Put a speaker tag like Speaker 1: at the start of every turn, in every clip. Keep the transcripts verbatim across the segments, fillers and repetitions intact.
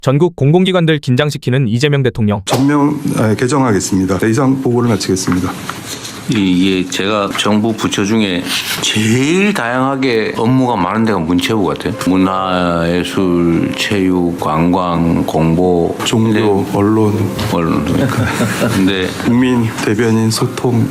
Speaker 1: 전국 공공기관들 긴장시키는 이재명 대통령.
Speaker 2: 전면 아, 개정하겠습니다. 네, 이상 보고를 마치겠습니다.
Speaker 3: 이게 제가 정부 부처 중에 제일 다양하게 업무가 많은 데가 문체부 같아요. 문화예술, 체육, 관광, 공보,
Speaker 2: 종교, 언론,
Speaker 3: 언론. 근데
Speaker 2: 국민 대변인 소통.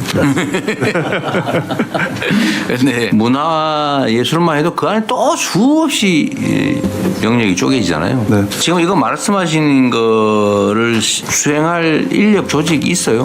Speaker 3: 근데 문화예술만 해도 그 안에 또 수없이 영역이 쪼개지잖아요.
Speaker 2: 네.
Speaker 3: 지금 이거 말씀하신 거를 수행할 인력 조직이 있어요?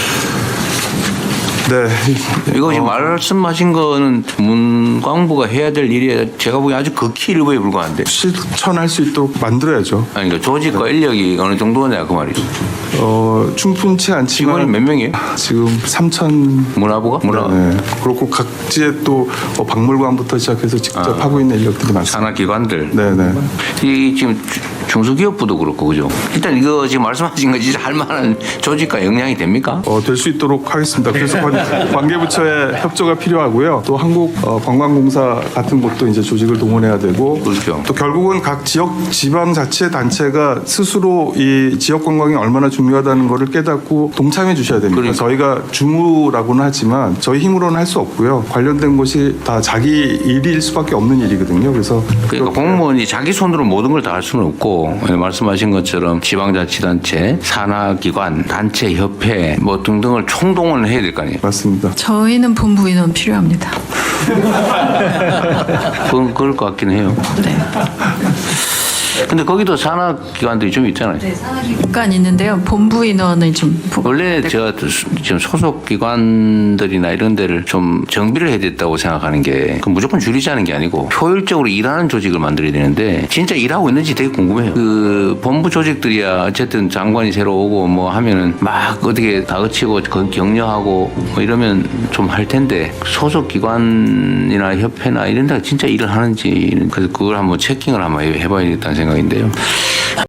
Speaker 2: 네.
Speaker 3: 이거 지금 말씀하신 거는 문광부가 해야 될 일이 제가 보기엔 아주 극히 일부에 불과한데.
Speaker 2: 실천할 수 있도록 만들어야죠.
Speaker 3: 아니, 그러니까 조직과 인력이 어느 정도냐 그 말이죠.
Speaker 2: 어, 충분치 않지만
Speaker 3: 직원이 몇 명이에요?
Speaker 2: 지금 삼천.
Speaker 3: 문화부가? 문화.
Speaker 2: 네. 그렇고 각지에 또 어, 박물관부터 시작해서 직접
Speaker 3: 아.
Speaker 2: 하고 있는 인력들이 많습니다.
Speaker 3: 산하기관들.
Speaker 2: 네네.
Speaker 3: 이 지금 주- 중소기업부도 그렇고 그죠? 일단 이거 지금 말씀하신 거 진짜 할 만한 조직과 역량이 됩니까?
Speaker 2: 어, 될 수 있도록 하겠습니다. 그래서 관, 관계부처의 협조가 필요하고요. 또 한국 어, 관광공사 같은 곳도 이제 조직을 동원해야 되고,
Speaker 3: 그렇죠.
Speaker 2: 또 결국은 각 지역 지방 자치 단체가 스스로 이 지역 관광이 얼마나 중요하다는 것을 깨닫고 동참해 주셔야 됩니다.
Speaker 3: 그러니까.
Speaker 2: 저희가 주무라고는 하지만 저희 힘으로는 할 수 없고요. 관련된 것이 다 자기 일일 수밖에 없는 일이거든요. 그래서
Speaker 3: 그러니까 공무원이 자기 손으로 모든 걸 다 할 수는 없고 말씀하신 것처럼 지방자치단체, 산하기관, 단체, 협회 뭐 등등을 총동원을 해야 될 거 아니에요.
Speaker 2: 맞습니다.
Speaker 4: 저희는 본부 인원 필요합니다.
Speaker 3: 그건 그럴 것 같긴 해요.
Speaker 4: 네.
Speaker 3: 근데 거기도 산하기관들이 좀 있잖아요.
Speaker 4: 간 있는데요. 본부 인원을 좀 부-
Speaker 3: 원래 제가 지금 소속 기관들이나 이런 데를 좀 정비를 해야 됐다고 생각하는 게 그 무조건 줄이자는 게 아니고 효율적으로 일하는 조직을 만들어야 되는데 진짜 일하고 있는지 되게 궁금해요. 그 본부 조직들이야 어쨌든 장관이 새로 오고 뭐 하면은 막 어떻게 다그치고 거- 격려하고 뭐 이러면 좀 할 텐데 소속 기관이나 협회나 이런 데가 진짜 일을 하는지 그래서 그걸 한번 체킹을 한번 해봐야겠다는 생각인데요.